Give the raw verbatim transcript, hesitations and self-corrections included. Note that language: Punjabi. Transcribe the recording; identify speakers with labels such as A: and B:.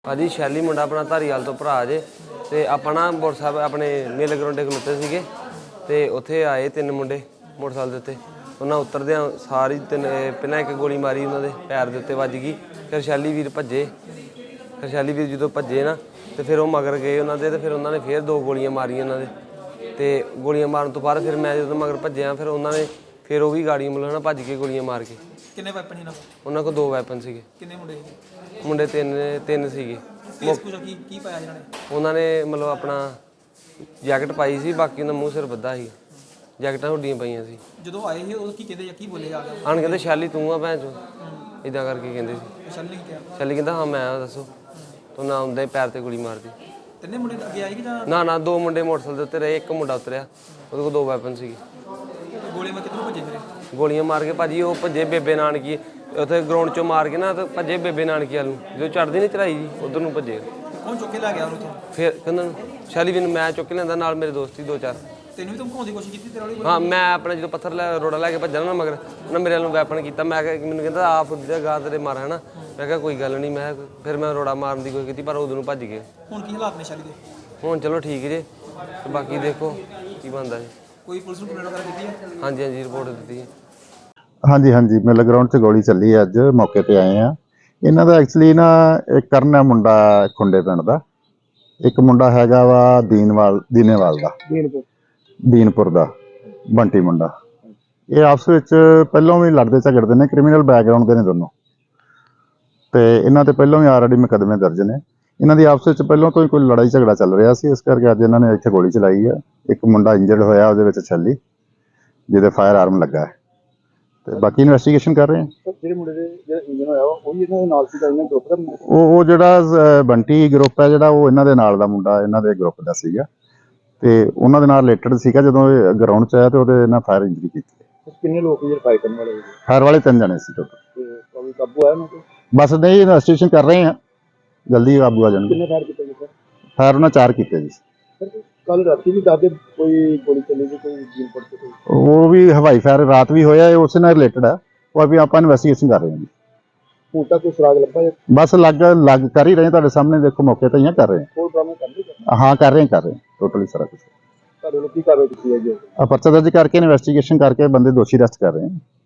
A: भाजी शैली मुंडा अपना धारीवाल तो भरा जे ते आपां ना मोटरसाइकिल अपने मेले ग्राउंडे खलोते सीगे ते उत्थे आए तीन मुंडे मोटरसाइकिल दे उत्ते उन्हां उतरदे सारी तीन पहलां एक गोली मारी उन्हां दे पैर दे उत्ते वज गई। फिर शैली वीर भज्जे फिर शैली वीर जो भज्जे ना तो फिर वो मगर गए उन्हां दे ते फिर उन्होंने फिर दो गोलियां मारियां उन्हां दे ते गोलियां मारन तो बाद फिर मैं जो मगर भज्जिया फिर उन्होंने फिर वो भी गाड़ी मतलब ना भज के गोलियां मार के
B: किन्ने वैपन ही ना
A: उन्हां कोल दो वैपन सीगे
B: किन्ने मुंडे
A: मुंडे तीन तीन सीगे
B: की की पाया जिन्हां ने
A: उन्होंने मतलब अपना जैकट पाई सी बाकी उन्होंने मूँह सिर बद्धा ही जैकटां हुड्डियां पाइयां सी
B: ਜਦੋਂ ਆਏ ਸੀ ਉਹ ਕੀ ਕਹਿੰਦੇ ਜਾਂ ਕੀ ਬੋਲੇ ਆ ਗਿਆ
A: ਆਣ ਕਹਿੰਦੇ ਸ਼ੈਲੀ ਤੂੰ ਆ ਭੈਣ ਚੋ ਇਦਾਂ ਕਰਕੇ ਕਹਿੰਦੇ ਸੀ।
B: ਸ਼ੈਲੀ ਨੇ ਕਿਹਾ
A: ਸ਼ੈਲੀ ਕਹਿੰਦਾ ਹਾਂ ਮੈਂ ਆ ਦੱਸੋ ਤੂੰ ਨਾ ਆਉਂਦਾ ਹੀ ਪੈਰ ਤੇ ਗੋਲੀ ਮਾਰਦੀ।
B: ਤਿੰਨੇ ਮੁੰਡੇ ਅੱਗੇ ਆਏ ਕਿ ਜਾਂ
A: ਨਾ ਨਾ ਦੋ ਮੁੰਡੇ ਮੋਟਰਸਾਈਕਲ ਦੇ ਉੱਤੇ ਰਹੇ ਇੱਕ ਮੁੰਡਾ ਉਤਰਿਆ ਉਹਦੇ ਕੋਲ ਦੋ ਵੈਪਨ ਸੀਗੇ
B: ਗੋਲੀ ਮਾਰ ਕਿੱਧਰੋਂ ਭੱਜੇ ਫਿਰੇ
A: ਗੋਲੀਆਂ ਮਾਰ ਕੇ ਭਾਜੀ ਉਹ ਭੱਜੇ ਬੇਬੇ ਨਾਨਕੀ ਉੱਥੇ ਗਰਾਊਂਡ ਚੋਂ ਮਾਰ ਕੇ ਨਾ ਤੇ ਭੱਜੇ ਬੇਬੇ ਨਾਨਕੀ ਵੱਲ ਨੂੰ ਜਦੋਂ ਚੜ੍ਹਦੀ ਨਹੀਂ ਚੜਾਈ ਜੀ ਉਧਰ ਨੂੰ ਭੱਜੇ।
B: ਕੌਣ ਚੁੱਕ ਕੇ ਲੈ ਗਿਆ ਉਹਨੂੰ ਤੋਂ
A: ਫਿਰ ਕਹਿੰਦਾ ਸ਼ੈਲੀ ਵੀ ਮੈਂ ਚੁੱਕ ਕੇ ਲੈਂਦਾ ਨਾਲ ਮੇਰੇ ਦੋਸਤ ਸੀ ਦੋ ਚਾਰ
B: ਤੈਨੂੰ ਵੀ ਧਮਕਾਉਣ ਦੀ ਕੋਸ਼ਿਸ਼ ਕੀਤੀ ਤੇਰੇ ਵਾਲੀ
A: ਹਾਂ ਮੈਂ ਆਪਣਾ ਜਦੋਂ ਪੱਥਰ ਲੈ ਰੋੜਾ ਲੈ ਕੇ ਭੱਜਣਾ ਨਾ ਮਗਰ ਉਹਨਾਂ ਮੇਰੇ ਵੱਲੋਂ ਵੈਪਨ ਕੀਤਾ ਮੈਂ ਕਿਹਾ ਮੈਨੂੰ ਕਹਿੰਦਾ ਆ ਫੁੱਦੀ ਦਾ ਗਾ ਤੇਰੇ ਮਾਰ ਹੈ ਨਾ ਮੈਂ ਕਿਹਾ ਕੋਈ ਗੱਲ ਨਹੀਂ ਮੈਂ ਫਿਰ ਮੈਂ ਰੋੜਾ ਮਾਰਨ ਦੀ ਕੋਈ ਕੀਤੀ ਪਰ ਉਦੋਂ ਨੂੰ ਭੱਜ ਗਏ।
B: ਹੁਣ ਕੀ ਹਾਲਾਤ ਨੇ ਸ਼ੈਲੀ ਦੇ
A: ਹੁਣ ਚਲੋ ਠੀਕ ਜੇ ਤੇ ਬਾਕੀ ਦੇਖੋ ਕੀ ਬਣਦਾ ਜੀ।
B: ਕੋਈ ਪੁਲਿਸ ਨੂੰ ਕੰਪਲੇਂਟ ਵਗੈਰਾ ਕੀਤੀ ਹੈ?
A: ਹਾਂਜੀ ਹਾਂਜੀ ਰਿਪੋਰਟ ਦਿੱਤੀ ਹੈ।
C: ਹਾਂਜੀ ਹਾਂਜੀ ਮੇਲੇ ਗਰਾਊਂਡ 'ਚ ਗੋਲੀ ਚੱਲੀ ਹੈ ਅੱਜ ਮੌਕੇ ਤੇ ਆਏ ਆ। ਇਹਨਾਂ ਦਾ ਐਕਚੁਅਲੀ ਨਾ ਇੱਕ ਕਰਨ ਹੈ ਮੁੰਡਾ ਖੁੰਡੇ ਪਿੰਡ ਦਾ ਇੱਕ ਮੁੰਡਾ ਹੈਗਾ ਵਾ ਦੀਨਵਾਲ ਦੀਨੇਵਾਲ ਦਾ ਦੀਨਪੁਰ ਦਾ ਬੰਟੀ ਮੁੰਡਾ। ਇਹ ਆਪਸ ਵਿੱਚ ਪਹਿਲਾਂ ਵੀ ਲੜਦੇ ਝਗੜਦੇ ਨੇ ਕ੍ਰਿਮੀਨਲ ਬੈਕਗ੍ਰਾਉਂਡ ਦੇ ਨੇ ਦੋਨੋਂ ਤੇ ਇਹਨਾਂ ਤੇ ਪਹਿਲਾਂ ਵੀ ਆਲਰੇਡੀ ਮੁਕੱਦਮੇ ਦਰਜ ਨੇ। ਇਹਨਾਂ ਦੀ ਆਪਸ ਵਿੱਚ ਪਹਿਲਾਂ ਤੋਂ ਹੀ ਕੋਈ ਲੜਾਈ ਝਗੜਾ ਚੱਲ ਰਿਹਾ ਸੀ ਇਸ ਕਰਕੇ ਅੱਜ ਇਹਨਾਂ ਨੇ ਇੱਥੇ ਗੋਲੀ ਚਲਾਈ ਹੈ। ਇੱਕ ਮੁੰਡਾ ਇੰਜਰਡ ਹੋਇਆ ਉਹਦੇ ਵਿੱਚ ਛੱਲੀ ਜਿਹਦੇ ਫਾਇਰ ਆਰਮ ਲੱਗਾ ਹੈ ਤੇ ਬਾਕੀ ਇਨਵੈਸਟੀਗੇਸ਼ਨ ਕਰ ਰਹੇ ਹਾਂ।
D: ਜਿਹੜੇ ਮੁੰਡੇ ਦੇ ਜਿਹੜਾ ਇੰਜਨ ਹੋਇਆ ਉਹ ਵੀ ਇਹਨਾਂ ਦੇ ਨਾਲ ਸੀਗਾ ਇਹਨਾਂ ਗਰੁੱਪ ਦਾ
C: ਉਹ ਉਹ ਜਿਹੜਾ ਬੰਟੀ ਗਰੁੱਪ ਹੈ ਜਿਹੜਾ ਉਹ ਇਹਨਾਂ ਦੇ ਨਾਲ ਦਾ ਮੁੰਡਾ ਇਹਨਾਂ ਦੇ ਗਰੁੱਪ ਦਾ ਸੀਗਾ ਤੇ ਉਹਨਾਂ ਦੇ ਨਾਲ ਰਿਲੇਟਡ ਸੀਗਾ। ਜਦੋਂ ਇਹ ਗਰਾਊਂਡ 'ਚ ਆਇਆ ਤੇ ਉਹਦੇ ਨਾਲ ਫਾਇਰ ਇੰਜਰੀ ਕੀਤੀ।
D: ਕਿੰਨੇ ਲੋਕ ਜਿਹੜੇ ਫਾਇਰ ਕਰਨ ਵਾਲੇ
C: ਫਾਇਰ ਵਾਲੇ ਤਿੰਨ ਜਣੇ ਸੀ ਟੋਟਲ
D: ਤੇ ਕੋਈ ਕਾਬੂ ਆਇਆ ਉਹਨਾਂ ਤੇ
C: ਬਸ ਨਹੀਂ ਇਨਵੈਸਟੀਗੇਸ਼ਨ ਕਰ ਰਹੇ ਹਾਂ ਜਲਦੀ ਕਾਬੂ ਆ ਜਾਣਗੇ।
D: ਕਿੰਨੇ ਫਾਇਰ ਕੀਤੇ ਗਏ
C: ਫਾਇਰ ਉਹਨਾਂ ਚਾਰ ਕੀਤੇ ਜੀ।
D: ਸਰ ਕੱਲ ਰਾਤੀ ਵੀ ਦੱਸਦੇ ਕੋਈ ਗੋਲੀ ਚੱਲੀ ਸੀ ਕੋਈ ਜੀਨਪੁਰ ਤੇ ਕੋਈ
C: ਉਹ ਵੀ ਹਵਾਈ ਫਾਇਰ ਰਾਤ ਵੀ ਹੋਇਆ ਉਸੇ ਨਾਲ ਰਿਲੇਟਡ ਹੈ ਉਹ ਵੀ ਆਪਾਂ ਇਨਵੈਸਟੀਗੇਸ਼ਨ ਕਰ ਰਹੇ ਹਾਂ ਜੀ।
D: ਹੁਣ ਤੱਕ ਕੋਈ ਸੁਰਾਗ ਲੱਭਾ ਜਾਂ
C: ਬਸ ਲੱਗ ਲੱਗ ਕਰ ਹੀ ਰਹੇ ਤੁਹਾਡੇ ਸਾਹਮਣੇ ਦੇਖੋ ਮੌਕੇ ਤੇ ਹੀ ਕਰ ਰਹੇ
D: ਕੋਲ ਬਰਾਮਦ ਕਰਦੇ
C: ਹਾਂ ਹਾਂ ਕਰ ਰਹੇ ਕਰ ਰਹੇ ਟੋਟਲੀ ਸਾਰਾ ਕੁਝ।
D: ਤੁਹਾਡੇ ਲੋਕ ਕੀ ਕਾਰਵਾਈ ਕੀਤੀ ਹੈ ਜੀ?
C: ਆ ਪਰਚਾ ਦਰਜ ਕਰਕੇ ਇਨਵੈਸਟੀਗੇਸ਼ਨ ਕਰਕੇ ਬੰਦੇ ਦੋਸ਼ੀ ਅਰੈਸਟ ਕਰ ਰਹੇ ਹਾਂ।